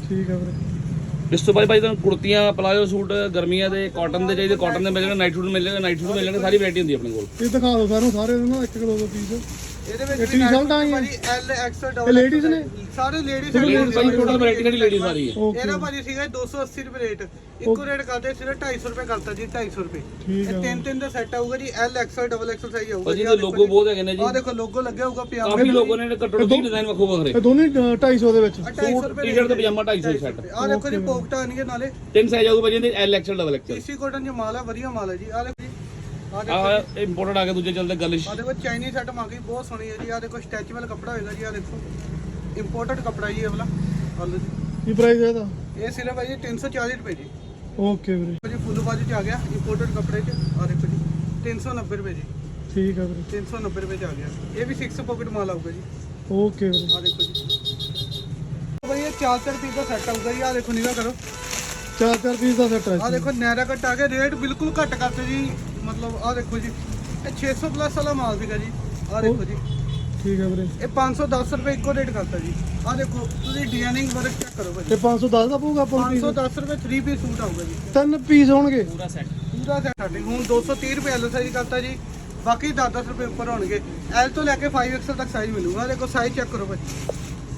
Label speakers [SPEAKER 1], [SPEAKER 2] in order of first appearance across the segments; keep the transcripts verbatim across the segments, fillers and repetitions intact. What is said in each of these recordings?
[SPEAKER 1] ठीक है ਵੀਰੇ।
[SPEAKER 2] ਇਸ ਤੋਂ ਬਾਅਦ ਭਾਈ ਤੁਹਾਨੂੰ ਕੁੜਤੀਆਂ ਪਲਾਜੋ ਸੂਟ ਗਰਮੀਆਂ ਦੇ ਕਾਟਨ ਦੇ ਚਾਹੀਦੇ ਕਾਟਨ ਦੇ ਮਿਲ ਜਾਣਗੇ ਨਾਈਟ ਸੂਟ ਮਿਲ ਜਾਣਗੇ ਨਾਈਟ ਸੂਟ ਮਿਲ ਜਾਣਗੇ ਸਾਰੀ ਵੈਰਾਈਟੀ ਹੁੰਦੀ ਆਪਣੇ ਕੋਲ।
[SPEAKER 1] ਇਹ ਦਿਖਾ ਦਿਓ ਸਾਨੂੰ ਸਾਰੇ ਨਾ ਇੱਕ ਕਿਲੋ ਦਾ ਪੀਸ।
[SPEAKER 3] ਇਹਦੇ ਵਿੱਚ
[SPEAKER 1] ਇਹ ਟੀ-ਸ਼ਰਟਾਂ ਹੀ
[SPEAKER 3] ਭਾਜੀ ਐਲ ਐਕਸਲ
[SPEAKER 1] ਇਹ
[SPEAKER 3] ਡਬਲ
[SPEAKER 1] ਲੇਡੀਜ਼ ਨੇ
[SPEAKER 3] ਸਾਰੇ ਲੇਡੀਜ਼
[SPEAKER 2] ਲੇਡੀਜ਼ ਭਾਈ ਟੋਟਲ ਵੈਰਾਈਟੀ ਸਾਡੀ ਲੇਡੀਜ਼ ਸਾਰੀ ਹੈ।
[SPEAKER 3] ਇਹਦਾ ਭਾਜੀ ਸੀਗਾ ਦੋ ਸੌ ਅੱਸੀ ਰੁਪਏ ਰੇਟ ਇੱਕੋ ਰੇਟ ਕਰਦੇ ਸਿਰਫ ਢਾਈ ਸੌ ਰੁਪਏ ਕਰਤਾ ਜੀ ਢਾਈ ਸੌ ਰੁਪਏ।
[SPEAKER 1] ਠੀਕ
[SPEAKER 3] ਇਹ ਤਿੰਨ ਤਿੰਨ ਦਾ ਸੈੱਟ ਆਊਗਾ ਜੀ L XL double XL size ਆਊਗਾ
[SPEAKER 2] ਭਾਜੀ ਇਹਦੇ ਲੋਗੋ ਬਹੁਤ ਹੈਗੇ ਨੇ ਜੀ।
[SPEAKER 3] ਆਹ ਦੇਖੋ ਲੋਗੋ ਲੱਗਿਆ ਹੋਊਗਾ ਪਜਾਮਾ
[SPEAKER 2] ਕਾਫੀ ਲੋਗੋ ਨੇ ਘੱਟੋ ਘੱਟ ਡਿਜ਼ਾਈਨ ਵੱਖੋ ਵੱਖਰੇ।
[SPEAKER 1] ਇਹ ਦੋਨੇ ਢਾਈ ਸੌ ਦੇ ਵਿੱਚ
[SPEAKER 2] ਸੂਟ ਟੀ-ਸ਼ਰਟ ਤੇ ਪਜਾਮਾ ਢਾਈ ਸੌ ਸੈੱਟ।
[SPEAKER 3] ਆਹ ਦੇਖੋ ਜੀ ਪੋਕਟਾਂ ਆਣਗੇ ਨਾਲੇ
[SPEAKER 2] ਤਿੰਨ ਸਾਈਜ਼ ਆਊਗਾ ਭਾਜੀ ਇਹਦੇ L XL double XL.
[SPEAKER 3] AC cotton ਚ ਮਾਲ ਹੈ ਵਧੀਆ ਮਾਲ ਹੈ ਜੀ। ਆਹ ਦੇਖੋ ਜੀ
[SPEAKER 2] ਆਹ ਇੰਪੋਰਟਡ ਆ ਕੇ ਦੂਜੇ ਚੱਲਦੇ ਗਲਿਸ਼।
[SPEAKER 3] ਆਹ ਦੇਖੋ ਚਾਈਨੀਜ਼ ਆਈਟਮ ਆ ਗਈ ਬਹੁਤ ਸੋਹਣੀ ਹੈ ਜੀ। ਆਹ ਦੇਖੋ ਸਟੈਚੂਅਲ ਕੱਪੜਾ ਹੋਏਗਾ ਜੀ। ਆਹ ਦੇਖੋ ਇੰਪੋਰਟਡ ਕੱਪੜਾ ਜੀ ਇਹ ਵਾਲਾ। ਆਹ ਲਓ ਜੀ
[SPEAKER 1] ਕੀ ਪ੍ਰਾਈਸ ਹੈ ਇਹਦਾ?
[SPEAKER 3] ਇਹ ਸਿਰਫ ਹੈ ਜੀ ਤਿੰਨ ਸੌ ਚਾਲੀ ਰੁਪਏ ਜੀ।
[SPEAKER 1] ਓਕੇ ਵੀਰੇ।
[SPEAKER 3] ਜੀ ਫੁੱਲ ਬਾਜੂ ਚ ਆ ਗਿਆ ਇੰਪੋਰਟਡ ਕੱਪੜੇ ਚ। ਆਹ ਦੇਖੋ ਜੀ ਤਿੰਨ ਸੌ ਨੱਬੇ ਰੁਪਏ ਜੀ।
[SPEAKER 1] ਠੀਕ ਹੈ ਵੀਰੇ।
[SPEAKER 3] ਤਿੰਨ ਸੌ ਨੱਬੇ ਰੁਪਏ ਚ ਆ ਗਿਆ। ਇਹ ਵੀ ਛੇ ਪਾਕਟ ਮਾਲ ਆਊਗਾ ਜੀ।
[SPEAKER 1] ਓਕੇ ਵੀਰੇ।
[SPEAKER 3] ਆਹ ਦੇਖੋ ਜੀ ਭਾਈ ਇਹ ਚਾਰ ਚਾਰ ਪੀਸ ਦਾ ਸੈੱਟ ਆਊਗਾ ਜੀ। ਆਹ ਦੇਖੋ ਨਿਗਾ ਕਰੋ
[SPEAKER 1] ਚਾਰ ਚਾਰ ਪੀਸ ਦਾ ਸੈੱਟ ਹੈ।
[SPEAKER 3] ਆਹ ਦੇਖੋ ਨੈਰਾ ਕੱਟ ਆ ਗਿਆ ਰੇਟ ਬਿਲਕੁਲ ਘੱਟ ਕਰਤੇ ਜੀ। ਮਤਲਬ ਆਹ ਦੇਖੋ ਜੀ ਇਹ ਛੇ ਸੌ ਪਲੱਸ ਵਾਲਾ ਮਾਲ ਸੀਗਾ ਜੀ। ਆਹ ਦੇਖੋ ਜੀ
[SPEAKER 1] ਠੀਕ ਹੈ ਵੀਰੇ।
[SPEAKER 3] ਇਹ ਪੰਜ ਸੌ ਦਸ ਰੁਪਏ ਇੱਕੋ ਰੇਟ ਕਰਤਾ ਜੀ। ਆਹ ਦੇਖੋ ਤੁਸੀਂ ਡਿਜ਼ਾਈਨਿੰਗ ਵਰਕ ਚੈੱਕ ਕਰੋ ਭਾਜੀ।
[SPEAKER 1] ਇਹ ਪੰਜ ਸੌ ਦਸ ਦਾ ਪਊਗਾ ਆਪਾਂ ਨੂੰ
[SPEAKER 3] ਪੰਜ
[SPEAKER 1] ਪੀਸ?
[SPEAKER 3] ਸੌ ਦਸ ਰੁਪਏ ਥ੍ਰੀ ਪੀਸ ਸੂਟ ਆਊਗਾ ਜੀ।
[SPEAKER 1] ਤਿੰਨ ਪੀਸ ਹੋਣਗੇ
[SPEAKER 2] ਪੂਰਾ ਸੈੱਟ।
[SPEAKER 3] ਪੂਰਾ ਸੈੱਟ ਸਾਡੇ ਹੁਣ ਦੋ ਸੌ ਤੀਹ ਰੁਪਏ ਐਲ ਸਾਈਜ਼ ਕਰਤਾ ਜੀ। ਬਾਕੀ ਦਸ ਦਸ ਰੁਪਏ ਉੱਪਰ ਹੋਣਗੇ। ਐਲ ਤੋਂ ਲੈ ਕੇ ਫਾਈਵ ਐਕਸਲ ਤੱਕ ਸਾਈਜ਼ ਮਿਲੂਗਾ। ਆਹ ਦੇਖੋ ਸਾਈਜ਼ ਚੈੱਕ ਕਰੋ ਭਾਜੀ।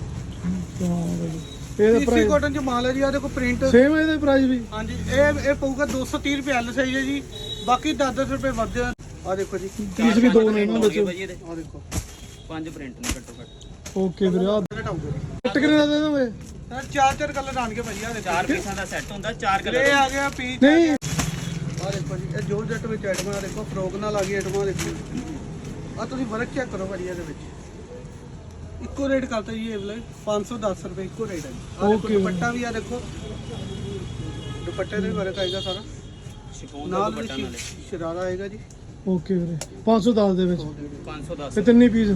[SPEAKER 1] ਹਾਂ ਭਾਜੀ ਇਹਦਾ
[SPEAKER 3] ਪੀਸੀ
[SPEAKER 1] ਪ੍ਰਾਈਸ
[SPEAKER 3] ਕਾਟਨ ਚ ਮਾਲ ਹੈ ਜੀ। ਆਹ ਦੇਖੋ ਪ੍ਰਿੰਟ
[SPEAKER 1] ਸੇਮ ਹੈ ਇਹਦਾ ਪ੍ਰਾਈਸ ਵੀ?
[SPEAKER 3] ਹਾਂਜੀ ਇਹ ਇਹ ਪਊਗਾ ਦੋ ਸੌ ਤੀਹ ਰੁਪਏ ਐਲ ਸਾਈਜ਼ ਹੈ ਜੀ। ਬਾਕੀ ਦਸ ਦਸ ਰੁਪਏ ਵੱਧ ਆ। ਆਹ ਦੇਖੋ ਜੀ
[SPEAKER 1] ਪੀਸ ਵੀ ਦੋ ਨੇ ਇਹਨਾਂ ਵਿੱਚ।
[SPEAKER 3] ਆਹ ਦੇਖੋ
[SPEAKER 2] ਪੰਜ ਪ੍ਰਿੰਟ ਨੇ ਘੱਟੋ ਘੱਟ।
[SPEAKER 1] ਓਕੇ ਵੀਰੇ। ਆ
[SPEAKER 3] ਘਟਾਊਗਾ ਜੀ
[SPEAKER 1] ਕੱਟ ਕਿੰਨੇ ਦਾ ਦੇ ਦੋਗੇ?
[SPEAKER 3] ਸਰ ਚਾਰ ਚਾਰ ਕਲਰ ਆਣਗੇ ਭਾਜੀ। ਆਹ ਦੇਖੋ
[SPEAKER 2] ਚਾਰ ਪੀਸਾਂ ਦਾ ਸੈੱਟ ਹੁੰਦਾ ਚਾਰ
[SPEAKER 3] ਇਹ
[SPEAKER 2] ਕਲਰ।
[SPEAKER 3] ਆ ਗਿਆ ਪੀਸ।
[SPEAKER 1] ਨਹੀਂ
[SPEAKER 3] ਆਹ ਦੇਖੋ ਜੀ ਇਹ ਜੋਰ ਜੱਟ ਵਿੱਚ ਆਈਟਮਾਂ। ਆਹ ਦੇਖੋ ਫਰੋਕ ਨਾਲ ਆ ਗਈ ਆਈਟਮਾਂ। ਦੇਖੋ ਆਹ ਤੁਸੀਂ ਵਰਕ ਚੈੱਕ ਕਰੋ ਭਾਜੀ। ਇਹਦੇ ਵਿੱਚ ਇੱਕੋ ਰੇਟ ਕਰਤਾ ਜੀ ਇਹ ਵਾਲਾ ਪੰਜ ਸੌ ਦਸ ਰੁਪਏ ਇੱਕੋ ਰੇਟ ਹੈ ਜੀ। ਆਹ ਦੇਖੋ ਦੁਪੱਟਾ ਵੀ ਆ ਦੇਖੋ ਦੁਪੱਟੇ ਤੇ ਵੀ ਵਰਕ ਆਏਗਾ ਸਾਰਾ।
[SPEAKER 2] ਸ਼ਿਫੋਨ ਦਾ
[SPEAKER 3] ਨਾਲ
[SPEAKER 2] ਦੁਪੱਟਾ
[SPEAKER 3] ਵੀ
[SPEAKER 2] ਨਾਲੇ
[SPEAKER 3] ਸ਼ਰਾਰਾ ਆਏਗਾ ਜੀ।
[SPEAKER 1] ਓਕੇ ਵੀਰੇ। ਪੰਜ ਸੌ ਦਸ ਦੇ ਵਿੱਚ
[SPEAKER 2] ਪੰਜ ਸੌ ਦਸ।
[SPEAKER 1] ਤੇ ਤਿੰਨੇ ਪੀਸ?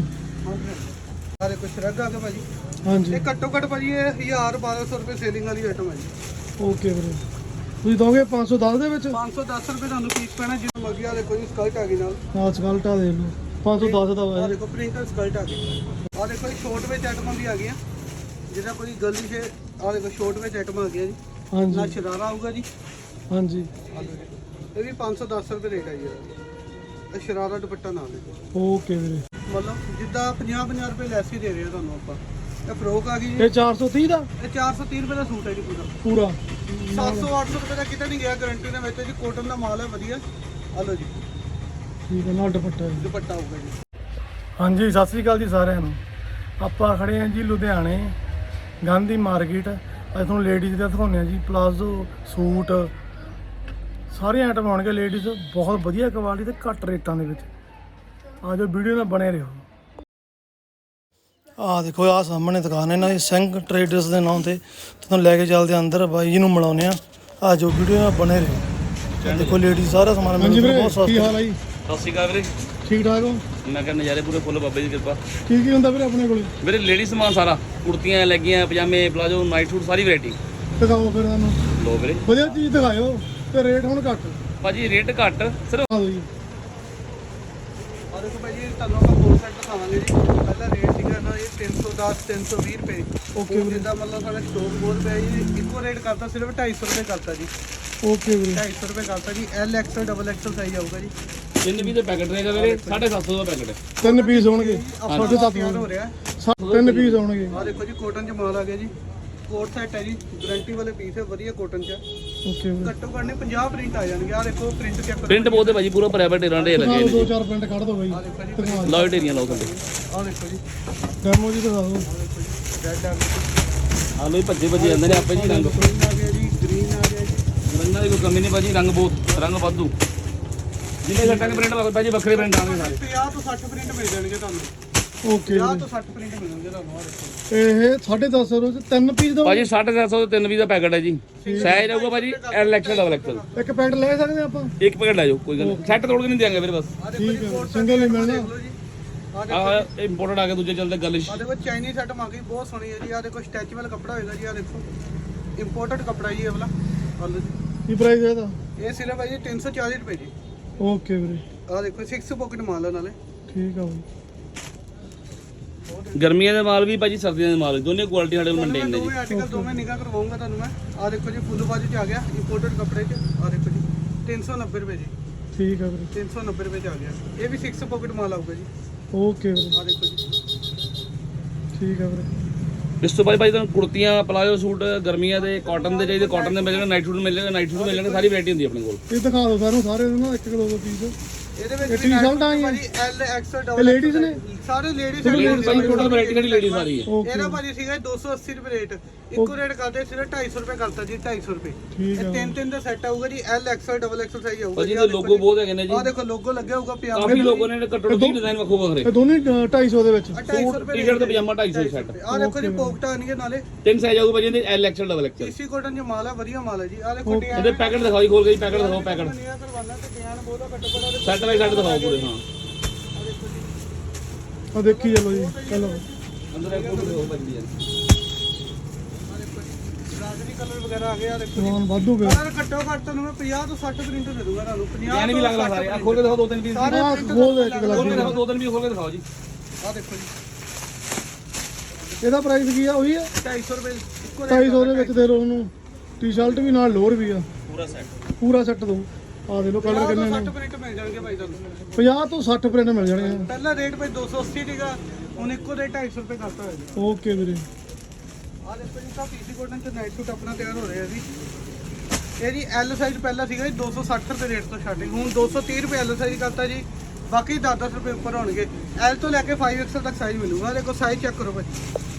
[SPEAKER 3] ਆਹ ਦੇਖੋ ਸ਼ਰਗ ਆ ਗਿਆ ਭਾਜੀ।
[SPEAKER 1] ਹਾਂਜੀ
[SPEAKER 3] ਇਹ ਘੱਟੋ ਘੱਟ ਭਾਜੀ ਇਹ ਹਜ਼ਾਰ ਬਾਰਾਂ ਸੌ ਰੁਪਏ ਸੇਲਿੰਗ ਵਾਲੀ ਆਈਟਮ ਹੈ ਜੀ।
[SPEAKER 1] ਓਕੇ ਵੀਰੇ। ਤੁਸੀਂ ਦੋਗੇ ਪੰਜ ਸੌ ਦਸ ਦੇ ਵਿੱਚ?
[SPEAKER 3] ਪੰਜ ਸੌ ਦਸ ਰੁਪਏ ਤੁਹਾਨੂੰ ਪੀਸ ਪੈਣਾ ਜਿਵੇਂ ਮਰਜ਼ੀ। ਆ ਦੇਖੋ ਜੀ ਸਕਲਟ ਆ ਗਈ ਨਾਲ।
[SPEAKER 1] ਹਾਂ ਸਕਲਟਾ ਦੇ ਲਓ ਪੰਜ ਸੌ ਦਸ ਦਾ
[SPEAKER 3] ਆਹ
[SPEAKER 1] ਵਾ।
[SPEAKER 3] ਦੇਖੋ ਪ੍ਰਿੰਟਰ ਸਕਲਟ ਆ ਗਈ। ਆਹ ਦੇਖੋ ਜੀ ਸ਼ੋਰਟ ਵਿੱਚ ਆਈਟਮਾਂ ਵੀ ਆ ਗਈਆਂ ਜਿਹਦਾ ਕੋਈ ਗਰਲੀ ਸ਼ੇ। ਆਹ ਦੇਖੋ ਸ਼ੋਰਟ ਵਿੱਚ ਆਈਟਮਾਂ ਆ ਗਈਆਂ ਜੀ। ਨਾਲ
[SPEAKER 1] ਹਾਂਜੀ
[SPEAKER 3] ਸ਼ਰਾਰਾ ਆਊਗਾ ਜੀ।
[SPEAKER 1] ਹਾਂਜੀ
[SPEAKER 3] ਆਹ ਦੇਖੋ ਇਹ ਵੀ ਪੰਜ ਸੌ ਦਸ ਰੁਪਏ ਰੇਟ ਹੈ ਜੀ ਇਹਦਾ। ਇਹ ਸ਼ਰਾਰਾ ਦੁਪੱਟਾ ਨਾਲ ਦੇਖੋ
[SPEAKER 1] ਓਕੇ ਵੀਰੇ।
[SPEAKER 3] ਮਤਲਬ ਜਿੱਦਾਂ ਪੰਜਾਹ ਪੰਜਾਹ ਰੁਪਏ ਲੈਸ ਹੀ ਦੇ ਰਹੇ ਆ ਤੁਹਾਨੂੰ ਆਪਾਂ। ਇਹ ਫਰੋਕ ਆ ਗਈ ਜੀ।
[SPEAKER 1] ਇਹ ਚਾਰ ਸੌ ਤੀਹ ਦਾ
[SPEAKER 3] ਇਹ ਚਾਰ ਸੌ ਤੀਹ ਰੁਪਏ ਦਾ ਸੂਟ ਹੈ ਜੀ ਪੂਰਾ।
[SPEAKER 1] ਪੂਰਾ?
[SPEAKER 3] ਸੱਤ ਸੌ ਅੱਠ ਸੌ ਰੁਪਏ ਦਾ ਕਿਤੇ ਨਹੀਂ ਗਿਆ ਗਾਰੰਟੀ ਦੇ ਵਿੱਚ ਜੀ। ਕੋਟਨ ਦਾ ਮਾਲ ਹੈ ਵਧੀਆ। ਆ ਲਓ ਜੀ
[SPEAKER 1] ਠੀਕ ਹੈ। ਨਾਲ ਦੁਪੱਟਾ ਜੀ।
[SPEAKER 3] ਦੁਪੱਟਾ ਆਊਗਾ ਜੀ।
[SPEAKER 1] ਹਾਂਜੀ ਸਤਿ ਸ੍ਰੀ ਅਕਾਲ ਜੀ ਸਾਰਿਆਂ ਨੂੰ। ਆਪਾਂ ਖੜੇ ਹਾਂ ਜੀ ਲੁਧਿਆਣੇ ਗਾਂਧੀ ਮਾਰਕੀਟ। ਅੱਜ ਤੁਹਾਨੂੰ ਲੇਡੀਜ਼ ਦਾ ਦਿਖਾਉਂਦੇ ਹਾਂ ਜੀ ਪਲਾਜ਼ੋ ਸੂਟ ਸਾਰੇ ਆਈਟਮ ਆਉਣਗੇ ਲੇਡੀਜ਼ ਬਹੁਤ ਵਧੀਆ ਕੁਆਲਿਟੀ ਤੇ ਘੱਟ ਰੇਟਾਂ ਦੇ ਵਿੱਚ। ਆ ਜੋ ਵੀਡੀਓ ਨਾਲ ਬਣੇ ਰਹੋ। ਆਹ ਦੇਖੋ ਆਹ ਸਾਹਮਣੇ ਦੁਕਾਨ ਇਹਨਾਂ ਦੀ ਸਿੰਘ ਟਰੇਡਰਸ ਦੇ ਨਾਮ ਤੇ। ਤੁਹਾਨੂੰ ਲੈ ਕੇ ਚੱਲਦੇ ਅੰਦਰ ਬਾਈ ਜੀ ਨੂੰ ਮਿਲਾਉਂਦੇ ਆ। ਆ ਜੋ ਵੀਡੀਓ ਨਾਲ ਬਣੇ ਰਹੋ। ਦੇਖੋ ਲੇਡੀਜ਼ ਸਾਰਾ ਸਮਾਨ ਮਿਲਦਾ ਬਹੁਤ ਸਸਤਾ। ਕੀ ਹਾਲ ਹੈ ਜੀ?
[SPEAKER 2] ਸਤਿ ਸ਼੍ਰੀ ਅਕਾਲ ਵੀਰੇ।
[SPEAKER 1] ਠੀਕ ਠਾਕ ਹੋ?
[SPEAKER 2] ਮੈਂ ਕਹਿੰਦਾ ਨਜ਼ਾਰੇ ਪੂਰੇ ਫੁੱਲ ਬਾਬੇ ਦੀ ਕਿਰਪਾ।
[SPEAKER 1] ਕੀ ਕੀ ਹੁੰਦਾ ਵੀਰੇ ਆਪਣੇ ਕੋਲ?
[SPEAKER 2] ਵੀਰੇ ਲੇਡੀ ਸਮਾਨ ਸਾਰਾ ਕੁੜਤੀਆਂ ਲੈਗੀਆਂ ਪਜਾਮੇ ਪਲਾਜੋ ਨਾਈਟ ਸੂਟ ਸਾਰੀ ਵੈਰਾਈਟੀ।
[SPEAKER 1] ਦਿਖਾਓ ਫਿਰ ਸਾਨੂੰ
[SPEAKER 2] ਲੋ ਵੀਰੇ
[SPEAKER 1] ਵਧੀਆ ਚੀਜ਼ ਦਿਖਾਇਓ ਤੇ ਰੇਟ ਹੁਣ ਘੱਟ।
[SPEAKER 2] ਭਾਜੀ ਰੇਟ ਘੱਟ ਸਿਰਫ।
[SPEAKER 1] ਆ ਜੀ
[SPEAKER 3] ਆ ਦੇਖੋ ਭਾਈ ਜੀ ਤੁਹਾਨੂੰ ਆਪਾਂ ਕੋਟ ਸੈੱਟ ਦਿਖਾਵਾਂਗੇ ਜੀ। ਪਹਿਲਾਂ ਰੇਟ ਸੀਗਾ ਨਾ ਇਹ ਤਿੰਨ ਸੌ ਦਸ ਤਿੰਨ ਸੌ ਵੀਹ ਰੁਪਏ।
[SPEAKER 1] ਓਕੇ ਵੀਰੇ।
[SPEAKER 3] ਜਿੱਦਾਂ ਮਤਲਬ ਸਾਡਾ ਸਟੋਕ ਬਹੁਤ ਪਿਆ ਜੀ। ਇੱਕੋ ਰੇਟ ਕਰਤਾ ਸਿਰਫ ਢਾਈ ਸੌ ਰੁਪਏ ਕਰਤਾ ਜੀ।
[SPEAKER 1] ਓਕੇ ਵੀਰੇ।
[SPEAKER 3] ਢਾਈ ਸੌ ਰੁਪਏ ਕਰਤਾ ਜੀ। L XL double XL size ਆਊਗਾ ਜੀ।
[SPEAKER 2] ਤਿੰਨ ਵੀ ਦੇ ਪੈਕਟ ਰਹੇਗਾ ਵੀਰੇ ਸਾਢੇ ਸੱਤ ਸੌ ਦਾ ਪੈਕਟ ਹੈ।
[SPEAKER 1] ਤਿੰਨ ਪੀਸ ਹੋਣਗੇ
[SPEAKER 3] ਸਾਢੇ ਸੱਤ ਹੋ ਰਿਹਾ।
[SPEAKER 1] ਤਿੰਨ ਪੀਸ ਹੋਣਗੇ।
[SPEAKER 3] ਆ ਦੇਖੋ ਜੀ ਕੋਟਨ ਚ ਮਾਲ ਆ ਗਿਆ ਜੀ। ਕੋਟ ਸੈਟ ਹੈ ਜੀ ਗਾਰੰਟੀ ਵਾਲੇ ਪੀਸ ਹੈ ਵਧੀਆ ਕੋਟਨ ਚ।
[SPEAKER 1] ਓਕੇ ਵੀਰੇ।
[SPEAKER 3] ਘੱਟੋ ਘੱਟ ਨੇ ਪੰਜਾਹ ਪ੍ਰਿੰਟ ਆ ਜਾਣਗੇ। ਆ ਦੇਖੋ ਪ੍ਰਿੰਟ ਚੈੱਕ ਕਰੋ।
[SPEAKER 2] ਪ੍ਰਿੰਟ ਬਹੁਤ ਹੈ ਭਾਜੀ ਪੂਰਾ ਪ੍ਰਾਈਵੇਟ ਏਰਾਂ ਦੇ ਲੱਗੇ
[SPEAKER 1] ਦੋ
[SPEAKER 2] ਨੇ।
[SPEAKER 1] ਚਾਰ ਪ੍ਰਿੰਟ ਕੱਢ ਦੋ ਬਾਈ।
[SPEAKER 3] ਆ ਦੇਖੋ ਜੀ
[SPEAKER 2] ਲਾਓ ਢੇਰੀਆਂ ਲਾਓ ਥੱਲੇ।
[SPEAKER 3] ਆ ਦੇਖੋ ਜੀ
[SPEAKER 1] ਡੈਮੋ ਜੀ ਦਿਖਾ ਦਿਓ।
[SPEAKER 3] ਰੈੱਡ ਆ ਗਿਆ।
[SPEAKER 2] ਆ ਲੋ ਭੱਜੇ ਭੱਜੇ ਜਾਂਦੇ ਨੇ ਆਪੇ ਜੀ ਰੰਗ।
[SPEAKER 3] ਗ੍ਰੀਨ ਆ ਗਿਆ ਜੀ। ਗ੍ਰੀਨ ਆ ਗਿਆ ਜੀ।
[SPEAKER 2] ਰੰਗਾਂ ਦੀ ਕੋਈ ਕਮੀ ਨਹੀਂ ਭਾਜੀ। ਰੰਗ ਬਹੁਤ ਰੰਗ ਵਾਧੂ ਜਿੰਨੇ ਘੱਟਾਂ ਦੇ ਪ੍ਰਿੰਟ ਭਾਜੀ ਵੱਖਰੇ ਪ੍ਰਿੰਟ ਆਉਣਗੇ ਸਾਰੇ।
[SPEAKER 3] ਪੰਜਾਹ ਤੋਂ ਸੱਠ ਪ੍ਰਿੰਟ ਮਿਲ ਜਾਣਗੇ ਤੁਹਾਨੂੰ।
[SPEAKER 1] ਓਕੇ
[SPEAKER 3] ਪੰਜਾਹ
[SPEAKER 1] ਵੀਰੇ।
[SPEAKER 3] ਤੋਂ ਸੱਠ ਪ੍ਰਿੰਟ ਮਿਲਣਗੇ ਤੁਹਾਨੂੰ। ਆ ਦੇਖੋ
[SPEAKER 1] ਇਹ ਸਾਢੇ ਦਸ ਸੌ ਚ ਤਿੰਨ ਪੀਸ ਦੋ।
[SPEAKER 2] ਭਾਜੀ ਸਾਢੇ ਸੱਤ ਸੌ ਤੇ ਤਿੰਨ ਵੀ ਦਾ ਪੈਕਟ ਹੈ ਜੀ। ਸਾਈਜ਼ ਰਹੂਗਾ ਭਾਜੀ ਐਲ ਐਕਸਲ ਡਬਲ ਐਕਸਲ।
[SPEAKER 1] ਇੱਕ ਪੈਕਟ ਲੈ ਸਕਦੇ ਆਪਾਂ?
[SPEAKER 2] ਇੱਕ ਪੈਕਟ ਲੈ ਜਾਓ ਕੋਈ ਗੱਲ ਨਹੀਂ। ਸੈੱਟ ਤੋੜ ਕੇ ਨਹੀਂ ਦਿਆਂਗੇ ਵੀਰੇ ਬਸ।
[SPEAKER 3] ਆ ਦੇਖੋ ਜੀ
[SPEAKER 1] ਠੀਕ ਹੈ
[SPEAKER 3] ਕੋਟ
[SPEAKER 1] ਸਿੰਗਲ ਨਹੀਂ ਮਿਲਣਾ।
[SPEAKER 3] ਦੇਖ ਲਓ ਜੀ। ਆ ਦੇਖੋ
[SPEAKER 2] ਆਹ ਇੰਪੋਰਟਡ ਆ ਕੇ ਦੂਜੇ ਚੱਲਦੇ ਗਲਿਸ਼।
[SPEAKER 3] ਆ ਦੇਖੋ ਚਾਈਨੀਜ਼ ਆਈਟਮ ਆ ਗਈ ਬਹੁਤ ਸੋਹਣੀ ਹੈ ਜੀ। ਆ ਦੇਖੋ ਸਟੈਚੂਅਲ ਕੱਪੜਾ ਹੋਏਗਾ ਜੀ। ਆ ਦੇਖੋ ਇੰਪੋਰਟਡ ਕੱਪੜਾ ਜੀ ਇਹ ਵਾਲਾ। ਆ ਲਓ ਜੀ
[SPEAKER 1] ਕੀ ਪ੍ਰਾਈਸ ਹੈ ਇਹਦਾ?
[SPEAKER 3] ਇਹ ਸਿਰਫ ਹੈ ਜੀ ਤਿੰਨ ਸੌ ਚਾਲੀ ਰੁਪਏ ਜੀ।
[SPEAKER 1] ਓਕੇ ਵੀਰੇ।
[SPEAKER 3] ਆ ਦੇਖੋ ਛੇ ਪਾਕਟ ਮਾਲ ਹੈ ਨਾਲੇ।
[SPEAKER 1] ਠੀਕ ਆ ਬਾਈ।
[SPEAKER 3] ਬਹੁਤ
[SPEAKER 2] ਗਰਮੀਆਂ ਦੇ ਮਾਲ ਵੀ ਭਾਜੀ ਸਰਦੀਆਂ ਦੇ ਮਾਲ ਵੀ ਦੋਨੇ ਕੁਆਲਿਟੀ ਸਾਡੇ ਕੋਲ
[SPEAKER 3] ਮੈਂ
[SPEAKER 2] ਮੇਨਟੇਨ ਨੇ ਜੀ
[SPEAKER 3] ਦੋਵੇਂ ਆਰਟੀਕਲ ਦੋਵੇਂ ਨਿਗਾਹ ਕਰਵਾਉਂਗਾ ਤੁਹਾਨੂੰ ਮੈਂ। ਆ ਦੇਖੋ ਜੀ ਫੁੱਲ ਬਾਜੂ ਚ ਆ ਗਿਆ ਇੰਪੋਰਟਡ ਕੱਪੜੇ ਚ। ਆ ਦੇਖੋ ਜੀ ਤਿੰਨ ਸੌ ਨੱਬੇ ਰੁਪਏ ਜੀ,
[SPEAKER 1] ਠੀਕ ਆ ਵੀਰੇ,
[SPEAKER 3] ਤਿੰਨ ਸੌ ਨੱਬੇ ਰੁਪਏ ਚ ਆ ਗਿਆ। ਇਹ ਵੀ ਛੇ ਪਾਕਟ ਮਾਲ ਆਊਗਾ ਜੀ।
[SPEAKER 1] ਓਕੇ ਵੀਰੇ,
[SPEAKER 3] ਆ ਦੇਖੋ ਜੀ
[SPEAKER 1] ਠੀਕ ਆ ਵੀਰੇ।
[SPEAKER 2] ਇਸ ਤੋਂ ਬਾਅਦ ਭਾਜੀ ਤੁਹਾਨੂੰ ਕੁੜਤੀਆਂ ਪਲਾਜੋ ਸੂਟ ਗਰਮੀਆਂ ਦੇ ਕਾਟਨ ਦੇ ਚਾਹੀਦੇ ਕਾਟਨ ਦੇ ਮਿਲ ਜਾਣਗੇ, ਨਾਈਟ ਸੂਟ ਮਿਲ ਜਾਣਗੇ, ਨਾਈਟ ਸੂਟ ਮਿਲ ਜਾਣਗੇ, ਸਾਰੀ ਵੈਰਾਈਟੀ ਹੁੰਦੀ ਹੈ ਆਪਣੇ ਕੋਲ।
[SPEAKER 1] ਇਹ ਦਿਖਾ ਦਿਓ ਸਾਨੂੰ ਸਾਰੇ ਨਾ ਇੱਕ ਇੱਕ ਦੋ ਦੋ ਪੀਸ।
[SPEAKER 3] ਇਹਦੇ ਵਿੱਚ
[SPEAKER 1] ਇਹ ਟੀ-ਸ਼ਰਟਾਂ ਆਈਆਂ
[SPEAKER 3] ਭਾਜੀ ਐਲ ਐਕਸਲ
[SPEAKER 1] ਇਹ
[SPEAKER 3] ਡਬਲ
[SPEAKER 1] ਲੇਡੀਜ਼ ਨੇ?
[SPEAKER 3] ਸਾਰੇ ਲੇਡੀਜ਼
[SPEAKER 2] ਲੇਡੀਜ਼ ਸਾਰੀ ਟੋਟਲ ਵੈਰਾਈਟੀ ਸਾਡੀ ਲੇਡੀਜ਼ ਸਾਰੀ ਹੈ।
[SPEAKER 1] ਓਕੇ
[SPEAKER 3] ਇਹਦਾ ਭਾਜੀ ਸੀਗਾ ਦੋ ਸੌ ਅੱਸੀ ਰੁਪਏ ਰੇਟ, ਇੱਕੋ ਰੇਟ ਕਰਦੇ ਸਿਰਫ ਢਾਈ ਸੌ ਰੁਪਏ ਕਰਤਾ ਜੀ, ਢਾਈ ਸੌ ਰੁਪਏ।
[SPEAKER 1] ਠੀਕ
[SPEAKER 3] ਇਹ
[SPEAKER 1] ਆ
[SPEAKER 3] ਤਿੰਨ ਤਿੰਨ ਦਾ ਸੈੱਟ ਆਊਗਾ ਜੀ, L XL double XL size ਆਊਗਾ
[SPEAKER 2] ਭਾਜੀ ਦੇ ਲੋਗੋ ਬਹੁਤ ਹੈਗੇ ਨੇ ਜੀ,
[SPEAKER 3] ਆ ਦੇਖੋ ਲੋਗੋ ਲੱਗਿਆ ਹੋਊਗਾ ਪਜਾਮਾ
[SPEAKER 2] ਕਾਫੀ ਲੋਗੋ ਨੇ ਘੱਟੋ ਘੱਟ ਵੀਹ ਡਿਜ਼ਾਈਨ ਵੱਖੋ ਵੱਖਰੇ।
[SPEAKER 1] ਇਹ ਦੋਨੇ ਢਾਈ ਸੌ ਦੇ ਵਿੱਚ।
[SPEAKER 3] ਢਾਈ ਸੌ ਰੁਪਏ
[SPEAKER 2] ਟੀ-ਸ਼ਰਟ ਤੇ ਪਜਾਮਾ ਢਾਈ ਸੌ ਸੈੱਟ।
[SPEAKER 3] ਆ ਦੇਖੋ ਜੀ ਪੋਕਟਾਂ ਆਣਗੇ ਨਾਲੇ
[SPEAKER 2] ਤਿੰਨ ਸਾਈਜ਼ ਆਊਗਾ ਭਾਜੀ ਇਹਦੇ L XL double XL.
[SPEAKER 3] AC cotton ਜੋ ਮਾਲ ਹੈ ਵਧੀਆ ਮਾਲ ਹੈ ਜੀ। ਆ ਦੇਖੋ ਡਿਜ਼ਾਈਨ
[SPEAKER 2] ਇਹਦੇ ਪੈਕਟ ਦਿਖਾਓ ਜੀ, ਖੋਲ ਕੇ ਜੀ ਪੈਕਟ ਦਿਖਾਓ ਪੈਕਟ
[SPEAKER 3] ਨਿਆ ਕਰਵਾਉਣਾ ਤੇ ਡਿਜ਼ਾਈਨ ਬਹੁਤਾ ਘੱਟੋ ਘੱਟ
[SPEAKER 2] ਸੈੱਟ ਬਾਈ ਸੈੱਟ ਦਿਖਾਓ ਪੂਰੇ। ਹਾਂ
[SPEAKER 3] ਆ ਦੇਖੋ ਜੀ,
[SPEAKER 1] ਆ ਦੇਖੀ ਚਲੋ ਜੀ, ਚਲੋ
[SPEAKER 2] ਅੰਦਰ ਇੱਕ ਫੋਟੋ ਦਿਖਾਓ ਭਾਜੀ ਯਾਰ।
[SPEAKER 3] ਆ ਦੇਖੋ ਜੀ ਰਾਜਨੀ ਕਲਰ ਵਗੈਰਾ ਆ ਗਿਆ। ਦੇਖੋ
[SPEAKER 1] ਸਮਾਨ ਵਾਧੂ ਪਿਆ।
[SPEAKER 3] ਕਲਰ ਘੱਟੋ ਘੱਟ ਤੁਹਾਨੂੰ ਮੈਂ ਪੰਜਾਹ ਤੋਂ ਸੱਠ ਪ੍ਰਿੰਟ ਦੇ ਦੂੰਗਾ ਤੁਹਾਨੂੰ। ਪੰਜਾਹ
[SPEAKER 2] ਯਾਨੀ ਵੀ ਲੱਗਦਾ ਸਾਰੇ ਆ ਖੋਲ ਕੇ ਦਿਖਾਓ ਦੋ ਤਿੰਨ ਪੀਸ
[SPEAKER 3] ਸਾਰੇ
[SPEAKER 1] ਆਹ
[SPEAKER 3] print
[SPEAKER 1] ਖੋਲ ਦੇ ਇੱਕ
[SPEAKER 2] ਖੋਲ ਕੇ
[SPEAKER 1] ਲੱਗ
[SPEAKER 2] ਦਿਖਾਓ ਦੋ ਤਿੰਨ ਪੀਸ ਖੋਲ ਕੇ ਦਿਖਾਓ ਜੀ।
[SPEAKER 3] ਆ ਦੇਖੋ ਜੀ
[SPEAKER 1] ਇਹਦਾ ਪ੍ਰਾਈਸ ਕੀ ਆ? ਉਹੀ ਆ
[SPEAKER 3] ਢਾਈ ਸੌ ਰੁਪਏ ਇੱਕੋ
[SPEAKER 1] ਢਾਈ ਸੌ ਦੇ ਵਿੱਚ ਦੇ ਲਓ ਉਹਨੂੰ। ਟੀ-ਸ਼ਰਟ ਵੀ ਨਾਲ ਲੋਅਰ ਵੀ ਆ,
[SPEAKER 2] ਪੂਰਾ ਸੈੱਟ
[SPEAKER 1] ਪੂਰਾ ਸੈੱਟ ਦੋ। ਆ ਦੇ ਲਓ ਕਲਰ ਕਿੰਨੇ ਨੇ,
[SPEAKER 3] ਸੱਠ ਪ੍ਰਿੰਟ ਮਿਲ ਜਾਣਗੇ ਭਾਈ ਤੁਹਾਨੂੰ।
[SPEAKER 1] ਪੰਜਾਹ ਤੋਂ ਸੱਠ ਪ੍ਰਿੰਟ ਮਿਲ ਜਾਣੇ ਆ।
[SPEAKER 3] ਪਹਿਲਾ ਰੇਟ ਭਾਈ ਦੋ ਸੌ ਅੱਸੀ ਸੀਗਾ, ਹੁਣ ਇੱਕੋ ਰੇਟ ਢਾਈ ਸੌ ਰੁਪਏ ਕਰਤਾ ਹੋਇਆ ਜੀ।
[SPEAKER 1] ਓਕੇ ਵੀਰੇ,
[SPEAKER 3] ਆ ਦੇਖੋ ਜੀ ਤਾਂ ਪੀਸੀ ਕੋਟਨ ਚ ਨਾਈਟ ਸੂਟ ਆਪਣਾ ਤਿਆਰ ਹੋ ਰਿਹਾ ਜੀ। ਇਹ ਜੀ ਐਲ ਸਾਈਜ਼ ਪਹਿਲਾਂ ਸੀਗਾ ਜੀ ਦੋ ਸੌ ਸੱਠ ਰੁਪਏ ਰੇਟ ਤੋਂ ਸਟਾਰਟਿੰਗ, ਹੁਣ ਦੋ ਸੌ ਤੀਹ ਰੁਪਏ ਐਲ ਸਾਈਜ਼ ਕਰਤਾ ਜੀ। ਬਾਕੀ ਦਸ ਦਸ ਰੁਪਏ ਉੱਪਰ ਹੋਣਗੇ। ਐਲ ਤੋਂ ਲੈ ਕੇ ਫਾਈਵ ਐਕਸਲ ਤੱਕ ਸਾਈਜ਼ ਮਿਲੂਗਾ। ਦੇਖੋ ਸਾਈਜ਼ ਚੈੱਕ ਕਰੋ ਭਾਈ।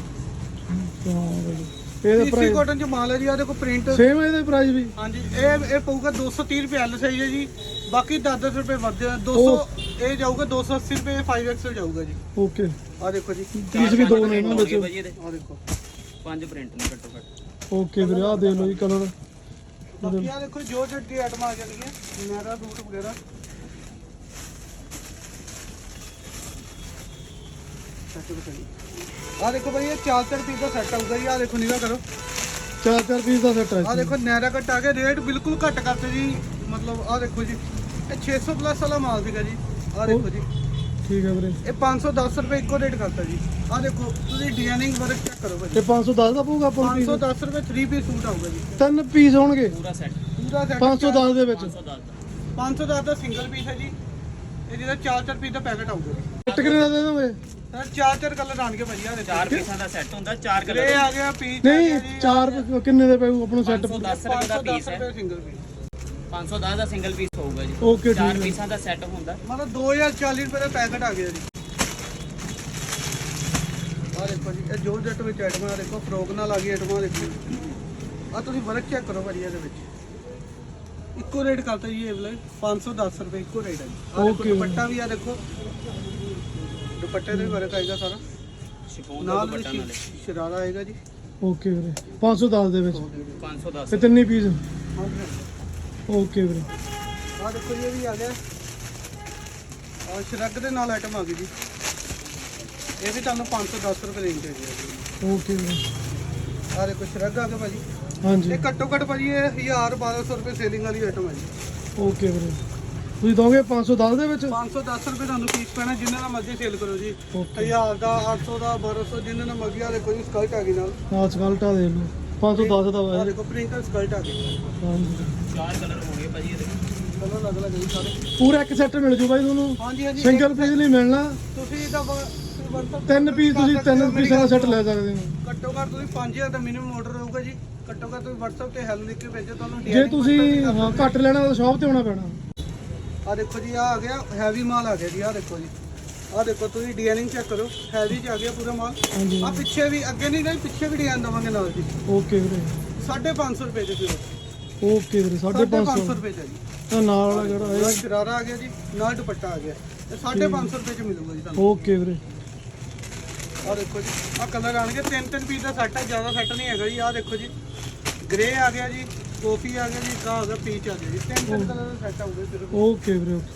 [SPEAKER 1] ਹਾਂ ਵੀਰੇ, ਇਹਦਾ
[SPEAKER 3] ਪੀਸੀ
[SPEAKER 1] ਪ੍ਰਾਈਸ
[SPEAKER 3] ਕੋਟਨ ਚ ਮਾਲ ਹੈ ਜੀ। ਆ ਦੇਖੋ ਪ੍ਰਿੰਟ
[SPEAKER 1] ਸੇਮ ਹੈ, ਇਹਦਾ ਪ੍ਰਾਈਸ ਵੀ।
[SPEAKER 3] ਹਾਂਜੀ ਇਹ ਇਹ ਪਊਗਾ ਦੋ ਸੌ ਤੀਹ ਰੁਪਏ ਐਲ ਸਾਈਜ਼ ਹੈ ਜੀ। ਬਾਕੀ ਦਸ ਦਸ ਰੁਪਏ ਵੱਧ ਦੋ ਸੌ ਇਹ ਜਾਊਗਾ ਦੋ ਸੌ ਅੱਸੀ ਰੁਪਏ ਫਾਈਵ ਐਕਸਲ ਜਾਊਗਾ ਜੀ।
[SPEAKER 1] ਓਕੇ,
[SPEAKER 3] ਆ ਦੇਖੋ ਜੀ
[SPEAKER 1] ਪੀਸ ਵੀ ਦੋ ਨੇ ਇਹਨਾਂ ਵਿੱਚ।
[SPEAKER 3] ਆ ਦੇਖੋ
[SPEAKER 2] ਪੰਜ ਪ੍ਰਿੰਟ ਨੇ ਘੱਟੋ ਘੱਟ।
[SPEAKER 1] ਓਕੇ ਵੀਰੇ, ਆ ਦੇਖ ਲਓ ਜੀ ਕਲਰ।
[SPEAKER 3] ਬਾਕੀ ਆ ਦੇਖੋ ਜੋ ਜੋ ਦੀ ਆਈਟਮ ਆ ਜਾਣਗੀਆਂ ਮੇਰਾ ਸੂਟ ਵਗੈਰਾ। ਆ ਦੇਖੋ ਭਾਈ ਇਹ ਚਾਰ ਚਾਰ ਪੀਸ ਦਾ ਸੈੱਟ ਆਊਗਾ ਜੀ। ਆ ਦੇਖੋ ਨਿਗਾਹ ਕਰੋ,
[SPEAKER 1] ਚਾਰ ਚਾਰ ਪੀਸ ਦਾ ਸੈੱਟ ਹੈ।
[SPEAKER 3] ਆ ਦੇਖੋ ਨੈਰਾ ਕੱਟ ਆ ਗਿਆ, ਰੇਟ ਬਿਲਕੁਲ ਘੱਟ ਕਰਤੇ ਜੀ। ਮਤਲਬ ਆ ਦੇਖੋ ਜੀ ਇਹ ਛੇ ਸੌ ਪਲੱਸ ਵਾਲਾ ਮਾਲ ਸੀਗਾ ਜੀ। ਆ ਦੇਖੋ ਜੀ
[SPEAKER 1] ਠੀਕ ਹੈ ਵੀਰੇ,
[SPEAKER 3] ਇਹ ਪੰਜ ਸੌ ਦਸ ਰੁਪਏ ਇੱਕੋ ਰੇਟ ਕਰਤਾ ਜੀ। ਆ ਦੇਖੋ ਤੁਸੀਂ ਡਿਜ਼ਾਈਨਿੰਗ ਵਰਕ ਚੈੱਕ ਕਰੋ ਭਾਜੀ।
[SPEAKER 1] ਇਹ ਪੰਜ ਸੌ ਦਸ ਦਾ ਪਊਗਾ ਆਪਾਂ ਨੂੰ
[SPEAKER 3] ਪੰਜ ਸੌ
[SPEAKER 1] ਪੀਸ?
[SPEAKER 3] ਦਸ ਰੁਪਏ ਥ੍ਰੀ ਪੀਸ ਸੂਟ ਆਊਗਾ ਜੀ।
[SPEAKER 1] ਤਿੰਨ ਪੀਸ ਹੋਣਗੇ
[SPEAKER 2] ਪੂਰਾ ਸੈੱਟ
[SPEAKER 3] ਪੂਰਾ ਸੈੱਟ
[SPEAKER 1] ਪੰਜ ਸੌ ਦਸ ਦੇ ਵਿੱਚ।
[SPEAKER 3] ਪੰਜ ਸੌ ਦਸ ਦਾ ਸਿੰਗਲ ਪੀਸ ਹੈ ਜੀ। ਇਹ ਜਿਹਦਾ ਚਾਰ ਚਾਰ ਪੀਸ ਦਾ ਪੈਕਟ ਆਊਗਾ ਜੀ।
[SPEAKER 1] ਕੱਟ ਕਿੰਨੇ ਦਾ ਦੇ ਦੋਗੇ?
[SPEAKER 3] ਸਰ ਚਾਰ ਚਾਰ ਕਲਰ ਆਣਗੇ ਭਾਜੀ। ਆ ਦੇਖੋ
[SPEAKER 2] ਚਾਰ ਪੀਸਾਂ ਦਾ ਸੈੱਟ ਹੁੰਦਾ, ਚਾਰ ਕਲਰ।
[SPEAKER 3] ਇਹ ਆ ਗਿਆ ਪੀਸ
[SPEAKER 1] ਨਹੀਂ, ਚਾਰ ਕਿੰਨੇ ਦੇ ਪਊ ਆਪਣਾ ਸੈੱਟ?
[SPEAKER 2] ਪੰਜ ਸੌ ਦਸ ਰੁਪਏ ਦਾ ਪੀਸ ਹੈ।
[SPEAKER 3] ਸਿੰਗਲ ਪੀਸ
[SPEAKER 2] ਪੰਜ ਸੌ ਦਸ ਦਾ ਸਿੰਗਲ ਪੀਸ ਹੋਊਗਾ ਜੀ।
[SPEAKER 1] ਓਕੇ,
[SPEAKER 2] ਚਾਰ
[SPEAKER 1] ਠੀਕ ਹੈ।
[SPEAKER 2] ਪੀਸਾਂ ਦਾ ਸੈੱਟ ਹੁੰਦਾ।
[SPEAKER 3] ਮਤਲਬ ਦੋ ਹਜ਼ਾਰ ਚਾਲੀ ਰੁਪਏ ਦਾ ਪੈਕਟ ਆ ਗਿਆ ਜੀ। ਆ ਦੇਖੋ ਜੀ ਇਹ ਜੋਰ ਜੱਟ ਵਿੱਚ ਆਈਟਮਾਂ ਆ ਦੇਖੋ, ਫਰੋਕ ਨਾਲ ਆ ਗਈ ਆਈਟਮਾਂ ਦੇਖੋ। ਆ ਤੁਸੀਂ ਵਰਕ ਚੈੱਕ ਕਰੋ ਭਾਜੀ ਇਹਦੇ ਵਿੱਚ। ਇੱਕੋ ਰੇਟ ਕਰਤਾ ਜੀ ਇਹ ਵਾਲਾ ਪੰਜ ਸੌ ਦਸ ਰੁਪਏ ਇੱਕੋ ਰੇਟ ਹੈ ਜੀ। ਆ ਦੇਖੋ
[SPEAKER 1] Okay।
[SPEAKER 3] ਦੁਪੱਟਾ ਵੀ ਆ ਦੇਖੋ, ਦੁਪੱਟੇ ਤੇ ਵੀ ਵਰਕ ਆਏਗਾ ਸਾਰਾ।
[SPEAKER 2] ਸ਼ਿਫੋਨ ਦਾ
[SPEAKER 3] ਨਾਲ
[SPEAKER 2] ਦੁਪੱਟਾ
[SPEAKER 3] ਵੀ
[SPEAKER 2] ਨਾਲੇ
[SPEAKER 3] ਸ਼ਰਾਰਾ ਆਏਗਾ ਜੀ।
[SPEAKER 1] ਓਕੇ ਵੀਰੇ, ਪੰਜ ਸੌ ਦਸ ਦੇ ਵਿੱਚ
[SPEAKER 2] ਪੰਜ ਸੌ ਦਸ।
[SPEAKER 1] ਤੇ ਤਿੰਨੇ ਪੀਸ।
[SPEAKER 3] ਆ
[SPEAKER 1] ਓਕੇ ਵੀਰੇ,
[SPEAKER 3] ਦੇਖੋ ਜੀ ਇਹ ਵੀ ਆ ਗਿਆ। ਆ ਸ਼ਰਗ ਦੇ ਨਾਲ ਆਈਟਮ ਆ ਗਈ ਜੀ। ਇਹ ਵੀ ਤੁਹਾਨੂੰ ਪੰਜ ਸੌ ਦਸ ਰੁਪਏ ਰੇਂਜ ਹੈ ਜੀ।
[SPEAKER 1] ਓਕੇ ਵੀਰੇ,
[SPEAKER 3] ਆ ਦੇਖੋ ਸ਼ਰਗ ਆ ਗਿਆ ਭਾਜੀ।
[SPEAKER 1] ਹਾਂਜੀ
[SPEAKER 3] ਇਹ ਘੱਟੋ ਘੱਟ ਭਾਜੀ ਇਹ ਹਜ਼ਾਰ ਬਾਰਾਂ ਸੌ ਰੁਪਏ ਸੇਲਿੰਗ ਵਾਲੀ ਆਈਟਮ ਹੈ ਜੀ।
[SPEAKER 1] ਓਕੇ ਵੀਰੇ, ਤੁਸੀਂ ਦੋਗੇ ਪੰਜ ਸੌ ਦਸ ਦੇ ਵਿੱਚ?
[SPEAKER 3] ਪੰਜ ਸੌ ਦਸ ਰੁਪਏ ਤੁਹਾਨੂੰ ਪੀਸ ਪੈਣਾ, ਜਿੰਨਾ ਦਾ ਮਰਜ਼ੀ ਸੇਲ ਕਰੋ ਜੀ।
[SPEAKER 1] ਓਕੇ,
[SPEAKER 3] ਹਜ਼ਾਰ ਦਾ, ਅੱਠ ਸੌ ਦਾ, ਬਾਰਾਂ ਸੌ, ਜਿੰਨਾ ਦਾ ਮਰਜ਼ੀ। ਆ ਦੇਖੋ ਜੀ ਸਕਲਟ ਆ ਗਈ ਨਾਲ।
[SPEAKER 1] ਆਹ ਸਕਲਟਾ ਦੇ ਲਓ, ਪੰਜ ਸੌ ਦਸ ਦਾ
[SPEAKER 3] ਆ
[SPEAKER 1] ਵਾ।
[SPEAKER 3] ਦੇਖੋ ਪ੍ਰਿੰਟਰ ਸਕਲਟ ਆ ਗਈ।
[SPEAKER 1] ਹਾਂਜੀ,
[SPEAKER 2] ਚਾਰ ਕਲਰ ਹੋਣਗੇ ਭਾਜੀ ਇਹਦੇ।
[SPEAKER 3] ਕਲਰ ਅਲੱਗ ਅਲੱਗ ਜੀ ਸਾਰੇ।
[SPEAKER 1] ਪੂਰਾ ਇੱਕ ਸੈੱਟ ਮਿਲ ਜੂ ਬਾਈ ਤੁਹਾਨੂੰ,
[SPEAKER 3] ਹਾਂਜੀ ਹਾਂਜੀ
[SPEAKER 1] ਸਿੰਗਲ ਪੀਸ ਨਹੀਂ ਮਿਲਣਾ।
[SPEAKER 3] ਤੁਸੀਂ ਇਹਦਾ ਵਰਤੋਂ
[SPEAKER 1] ਤਿੰਨ ਪੀਸ ਤੁਸੀਂ ਤਿੰਨ ਪੀਸਾਂ ਦਾ ਸੈੱਟ ਲੈ ਸਕਦੇ ਹੋ।
[SPEAKER 3] ਘੱਟੋ ਘੱਟ ਤੁਸੀਂ ਪੰਜ ਹਜ਼ਾਰ ਦਾ ਮਿਨੀਮਮ ਆਰਡਰ ਰਹੂਗਾ ਜੀ। ਘੱਟੋ ਘੱਟ ਤੁਸੀਂ WhatsApp ਤੇ ਹੈਲੋ ਲਿਖ ਕੇ ਭੇਜੋ ਤੁਹਾਨੂੰ।
[SPEAKER 1] ਜੇ ਤੁਸੀਂ ਹਾਂ ਘੱਟ ਲੈਣਾ ਤਾਂ ਸ਼ਾਪ ਤੇ ਆਉਣਾ ਪੈਣਾ।
[SPEAKER 3] ਆ ਦੇਖੋ ਜੀ ਆ ਆ ਗਿਆ ਹੈਵੀ ਮਾਲ ਆ ਗਿਆ ਜੀ। ਆ ਦੇਖੋ ਜੀ, ਆ ਦੇਖੋ ਤੁਸੀਂ ਡਿਜ਼ਾਈਨਿੰਗ ਚੈੱਕ ਕਰੋ, ਹੈਵੀ ਚ ਆ ਗਿਆ ਪੂਰਾ ਮਾਲ।
[SPEAKER 1] ਹਾਂਜੀ,
[SPEAKER 3] ਆ ਪਿੱਛੇ ਵੀ, ਅੱਗੇ ਨਹੀਂ ਗਏ, ਪਿੱਛੇ ਵੀ ਡਿਜ਼ਾਈਨ ਦਵਾਂਗੇ ਨਾਲ ਜੀ।
[SPEAKER 1] ਓਕੇ ਵੀਰੇ,
[SPEAKER 3] ਸਾਢੇ ਪੰਜ ਸੌ ਰੁਪਏ ਦੇ ਸਿਰਫ।
[SPEAKER 1] ਓਕੇ ਵੀਰੇ, ਸਾਢੇ
[SPEAKER 3] ਸਾਢੇ
[SPEAKER 1] ਪੰਜ
[SPEAKER 3] ਪੰਜ ਸੌ
[SPEAKER 1] ਸੌ
[SPEAKER 3] ਰੁਪਏ ਦਾ ਜੀ।
[SPEAKER 1] ਤਾਂ ਨਾਲ ਵਾਲਾ ਜਿਹੜਾ
[SPEAKER 3] ਨਾਲ
[SPEAKER 1] ਹੈ।
[SPEAKER 3] ਸ਼ਰਾਰਾ ਆ ਗਿਆ ਜੀ, ਨਾਲ ਦੁਪੱਟਾ ਆ ਗਿਆ। ਇਹ ਸਾਢੇ ਪੰਜ ਸੌ ਰੁਪਏ ਚ ਮਿਲੂਗਾ ਜੀ ਤੁਹਾਨੂੰ।
[SPEAKER 1] ਓਕੇ ਵੀਰੇ,
[SPEAKER 3] ਆ ਦੇਖੋ ਜੀ ਆ ਕਲਰ ਆਣਗੇ, ਤਿੰਨ ਤਿੰਨ ਪੀਸ ਦਾ ਸੈੱਟ ਹੈ, ਜ਼ਿਆਦਾ ਸੈੱਟ ਨਹੀਂ ਹੈਗਾ ਜੀ। ਆ ਦੇਖੋ ਜੀ ਗ੍ਰੇ ਆ ਗਿਆ ਜੀ, ਕਾਫੀ ਆ ਗਿਆ ਜੀ, ਕਾ ਆ ਗਿਆ ਪੀਚ ਆ ਗਿਆ ਜੀ। ਤਿੰਨ ਤਿੰਨ ਕਲਰ ਦਾ ਸੈੱਟ ਆਊਗਾ ਸਿਰਫ।
[SPEAKER 1] ਓਕੇ ਵੀਰੇ, ਓਕੇ।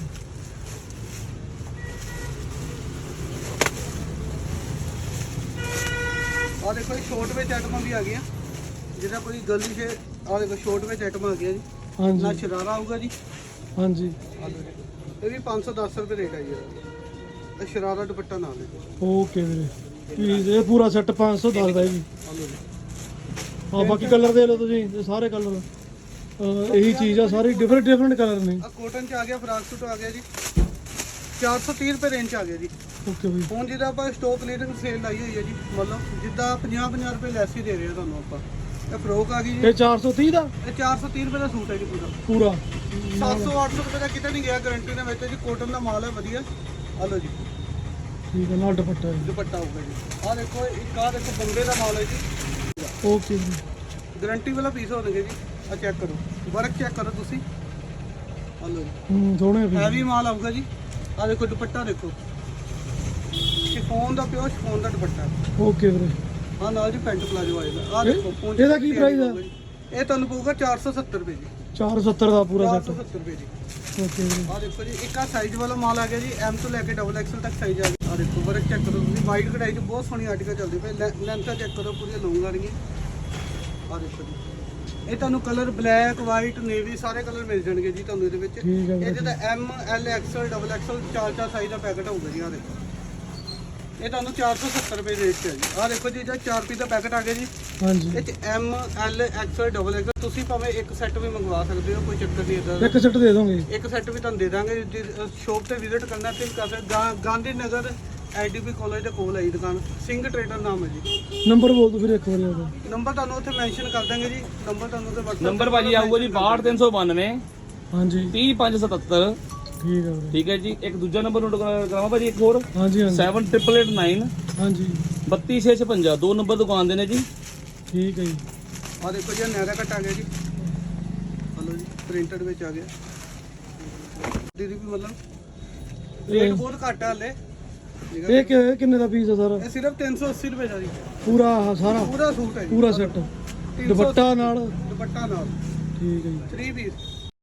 [SPEAKER 3] ਆ ਦੇਖੋ ਜੀ ਸ਼ੋਰਟ ਵਿੱਚ ਆਈਟਮਾਂ ਵੀ ਆ ਗਈਆਂ, ਜਿਹਦਾ ਕੋਈ ਗਲਤੀ ਸੇ। ਆ ਦੇਖੋ ਸ਼ੋਰਟ ਵਿੱਚ ਆਈਟਮਾਂ ਆ ਗਈਆਂ ਜੀ। ਨਾਲ
[SPEAKER 1] ਹਾਂਜੀ
[SPEAKER 3] ਸ਼ਰਾਰਾ ਆਊਗਾ ਜੀ।
[SPEAKER 1] ਹਾਂਜੀ,
[SPEAKER 3] ਆ ਦੇਖੋ ਇਹ ਵੀ ਪੰਜ ਸੌ ਦਸ ਰੁਪਏ ਰੇਟ ਹੈ ਜੀ ਇਹਦਾ। ਇਹ ਸ਼ਰਾਰਾ ਦੁਪੱਟਾ ਨਾਲ ਹੈ।
[SPEAKER 1] ਓਕੇ ਵੀਰੇ, ਪੀਸ ਇਹ ਪੂਰਾ ਸੈੱਟ ਪੰਜ ਸੌ ਦਸ ਦਾ ਜੀ।
[SPEAKER 3] ਆ ਲਓ ਜੀ
[SPEAKER 1] ਹਾਂ ਬਾਕੀ ਕਲਰ ਦੇ ਲਓ ਤੁਸੀਂ, ਇਹ ਸਾਰੇ ਕਲਰ ਇਹੀ ਚੀਜ਼ ਆ, ਸਾਰੇ ਡਿਫਰੈਂਟ ਡਿਫਰੈਂਟ ਕਲਰ ਨੇ।
[SPEAKER 3] ਆ ਕੋਟਨ ਚ ਆ ਗਿਆ, ਫਰਾਕ ਸੂਟ ਆ ਗਿਆ ਜੀ ਚਾਰ ਸੌ ਤੀਹ ਰੁਪਏ ਰੇਂਜ ਚ ਆ ਗਿਆ ਜੀ।
[SPEAKER 1] ਓਕੇ ਬਈ।
[SPEAKER 3] ਹੁਣ ਜਿਹਦਾ ਆਪਾਂ ਸਟਾਕ ਕਲੀਅਰਿੰਗ ਸੇਲ ਲਾਈ ਹੋਈ ਹੈ ਜੀ, ਮਤਲਬ ਜਿੱਦਾਂ ਪੰਜਾਹ ਪੰਜਾਹ ਰੁਪਏ ਲੈਸ ਹੀ ਦੇ ਰਹੇ ਆ ਤੁਹਾਨੂੰ ਆਪਾਂ। ਇਹ ਫਰੋਕ ਆ ਗਈ ਜੀ,
[SPEAKER 1] ਇਹ ਚਾਰ ਸੌ ਤੀਹ ਦਾ
[SPEAKER 3] ਇਹ ਚਾਰ ਸੌ ਤੀਹ ਰੁਪਏ ਦਾ ਸੂਟ ਹੈ ਜੀ ਪੂਰਾ।
[SPEAKER 1] ਪੂਰਾ
[SPEAKER 3] ਸੱਤ ਸੌ ਅੱਠ ਸੌ ਰੁਪਏ ਦਾ ਕਿਤੇ ਨਹੀਂ ਗਿਆ, ਗਾਰੰਟੀ ਦੇ ਵਿੱਚ ਜੀ। ਕੋਟਨ ਦਾ ਮਾਲ ਹੈ ਵਧੀਆ। ਆ ਲਓ ਜੀ
[SPEAKER 1] ਠੀਕ ਹੈ, ਨਾਲ ਦੁਪੱਟਾ ਹੈ।
[SPEAKER 3] ਦੁਪੱਟਾ ਹੋਊਗਾ ਜੀ। ਆ ਦੇਖੋ ਇੱਕ ਆ ਦੇਖੋ ਬੰਗੇ ਦਾ ਮਾਲ ਹੈ ਜੀ,
[SPEAKER 1] ਓਕੇ ਜੀ।
[SPEAKER 3] ਗਾਰੰਟੀ ਵਾਲਾ ਪੀਸ ਹੋਣਗੇ ਜੀ। ਆ ਚੈੱਕ ਕਰੋ, ਵਰਕ ਚੈੱਕ ਕਰੋ ਤੁਸੀਂ। ਆ ਲਓ ਜੀ
[SPEAKER 1] ਹੂੰ ਸੋਹਣੇ ਵੀ।
[SPEAKER 3] ਹੈਵੀ ਮਾਲ ਆਊਗਾ ਜੀ। ਆ ਦੇਖੋ ਦੁਪੱਟਾ ਦੇਖੋ, ਸ਼ਿਫੋਨ ਦਾ ਪਿਓ ਸ਼ਿਫੋਨ ਦਾ ਦੁਪੱਟਾ।
[SPEAKER 1] ਓਕੇ ਵੀਰੇ।
[SPEAKER 3] ਆ ਨਾਲ ਜੀ ਪੈਂਟ ਪਲਾਜੋ ਆਏਗਾ। ਆ
[SPEAKER 1] ਇਹ-
[SPEAKER 3] ਦੇਖੋ ਪਹੁੰਚ
[SPEAKER 1] ਇਹਦਾ ਕੀ price ਆ?
[SPEAKER 3] ਇਹ ਤੁਹਾਨੂੰ ਪਊਗਾ ਚਾਰ ਸੌ ਸੱਤਰ ਰੁਪਏ ਜੀ।
[SPEAKER 1] ਚਾਰ ਸੌ ਸੱਤਰ ਦਾ ਪੂਰਾ
[SPEAKER 3] ਚਾਰ
[SPEAKER 1] ਸੈੱਟ।
[SPEAKER 3] ਸੌ ਸੱਤਰ ਰੁਪਏ ਜੀ।
[SPEAKER 1] ਓਕੇ ਵੀਰੇ।
[SPEAKER 3] ਆ ਦੇਖੋ ਜੀ ਇੱਕ ਆ ਸਾਈਜ਼ ਵਾਲਾ ਮਾਲ ਆ ਗਿਆ ਜੀ, ਐਮ ਤੋਂ ਲੈ ਕੇ ਡਬਲ ਐਕਸਲ ਤੱਕ ਸਾਈਜ਼ ਆ ਗਿਆ। ਆ ਦੇਖੋ ਵਰਕ ਚੈੱਕ ਕਰੋ ਤੁਸੀਂ, ਵਾਈਟ ਕਢਾਈ 'ਚ ਬਹੁਤ ਸੋਹਣੀ ਆਰਟੀਕਲ ਚੱਲਦੀ ਪਈ। ਲੈਂਥਾਂ ਚੈੱਕ ਕਰੋ, ਪੂਰੀਆਂ ਲੌਂਗ ਆ ਰਹੀਆਂ। ਆ ਦੇਖੋ ਜੀ ਇਹ ਤੁਹਾਨੂੰ ਕਲਰ ਬਲੈਕ, ਵਾਈਟ, ਨੇਵੀ ਸਾਰੇ ਕਲਰ ਮਿਲ ਜਾਣਗੇ ਜੀ ਤੁਹਾਨੂੰ ਇਹਦੇ ਵਿੱਚ।
[SPEAKER 1] ਠੀਕ ਹੈ
[SPEAKER 3] ਇਹ
[SPEAKER 1] ਵੀਰੇ।
[SPEAKER 3] ਜਿਹਦਾ M, L, XL, double XL ਚਾਰ ਚਾਰ ਸਾਈਜ਼ ਦਾ ਪੈਕਟ ਹੋਊਗਾ ਜੀ। ਆ ਦੇਖੋ ਇਹ ਤੁਹਾਨੂੰ ਚਾਰ ਸੌ ਸੱਤਰ ਰੁਪਏ ਰੇਟ 'ਚ ਹੈ ਜੀ। ਆ ਦੇਖੋ ਜੀ ਜਿਹੜਾ ਚਾਰ ਪੀਸ ਦਾ ਪੈਕਟ ਆ ਗਿਆ ਜੀ।
[SPEAKER 1] ਹਾਂਜੀ
[SPEAKER 3] ਇਹ 'ਚ M, L, XL, double XL ਤੁਸੀਂ ਭਾਵੇਂ ਇੱਕ ਸੈੱਟ ਵੀ ਮੰਗਵਾ ਸਕਦੇ ਹੋ, ਕੋਈ ਚੱਕਰ ਨਹੀਂ ਇਦਾਂ।
[SPEAKER 1] ਇੱਕ ਸੈੱਟ ਦੇ ਦੋਗੇ।
[SPEAKER 3] ਇੱਕ ਸੈੱਟ ਵੀ ਤੁਹਾਨੂੰ ਦੇ ਦਾਂਗੇ। ਸ਼ੋਪ ਤੇ ਵਿਜ਼ਿਟ ਕਰਨਾ ਤੇ ਕਰ ਸਕਦੇ। ਗਾ- ਗਾਂਧੀ ਨਗਰ ਆਈਡੀਪੀ ਕਾਲਜ ਦੇ ਕੋਲ ਹੈ ਜੀ ਦੁਕਾਨ, ਸਿੰਘ ਟ੍ਰੇਡਰ ਨਾਮ ਹੈ ਜੀ।
[SPEAKER 1] ਨੰਬਰ ਬੋਲ ਦਿਓ ਫਿਰ ਇੱਕ ਵਾਰੀ ਉਹਦਾ।
[SPEAKER 3] ਨੰਬਰ ਤੁਹਾਨੂੰ ਉੱਥੇ ਮੈਂਸ਼ਨ ਕਰ ਦਾਂਗੇ ਜੀ। ਨੰਬਰ ਤੁਹਾਨੂੰ ਉੱਥੇ WhatsApp
[SPEAKER 2] ਨੰਬਰ ਭਾਜੀ ਆਊਗਾ ਜੀ ਬਾਹਠ ਤਿੰਨ ਸੌ ਬਾਨਵੇਂ
[SPEAKER 1] ਹਾਂਜੀ
[SPEAKER 2] ਤੀਹ ਪੰਜ ਸੌ ਸਤੱਤਰ।
[SPEAKER 1] ਠੀਕ ਹੈ ਵੀਰੇ।
[SPEAKER 2] ਠੀਕ ਹੈ ਜੀ। ਇੱਕ ਦੂਜਾ ਨੰਬਰ ਨੋਟ ਕਰਾਵਾਂ ਭਾਜੀ, ਇੱਕ ਹੋਰ
[SPEAKER 1] ਹਾਂਜੀ ਹਾਂਜੀ
[SPEAKER 2] ਸੈਵਨ ਟ੍ਰਿਪਲ ਏਟ ਨਾਈਨ
[SPEAKER 1] ਹਾਂਜੀ
[SPEAKER 2] ਬੱਤੀ ਛੇ ਛਪੰਜਾ। ਦੋ ਨੰਬਰ ਦੁਕਾਨ ਦੇ ਨੇ ਜੀ।
[SPEAKER 1] ਠੀਕ ਹੈ ਜੀ।
[SPEAKER 3] ਆ ਦੇਖੋ ਜੀ ਨੈਰਾ ਕੱਟ ਆ ਗਿਆ ਜੀ। ਹਲੋ ਜੀ ਪ੍ਰਿੰਟਡ ਵਿੱਚ ਆ ਗਿਆ। ਦੀਦੀ ਵੀ ਮਤਲਬ ਰੇਟ ਬਹੁਤ ਘੱਟ ਆ ਹਲੇ।
[SPEAKER 1] ਇਹ ਕਿ- ਕਿੰਨੇ ਦਾ ਪੀਸ ਹੈ ਸਾਰਾ?
[SPEAKER 3] ਇਹ ਸਿਰਫ ਤਿੰਨ ਸੌ ਅੱਸੀ ਰੁਪਏ ਦਾ ਜੀ।
[SPEAKER 1] ਪੂਰਾ ਆਹ ਸਾਰਾ
[SPEAKER 3] ਪੂਰਾ ਸੂਟ ਹੈ ਜੀ।
[SPEAKER 1] ਪੂਰਾ ਸੈੱਟ
[SPEAKER 3] ਤਿੰਨ ਸੌ
[SPEAKER 1] ਦੁਪੱਟਾ ਨਾਲ।
[SPEAKER 3] ਦੁਪੱਟਾ ਨਾਲ
[SPEAKER 1] ਠੀਕ ਹੈ ਜੀ।
[SPEAKER 3] Three piece.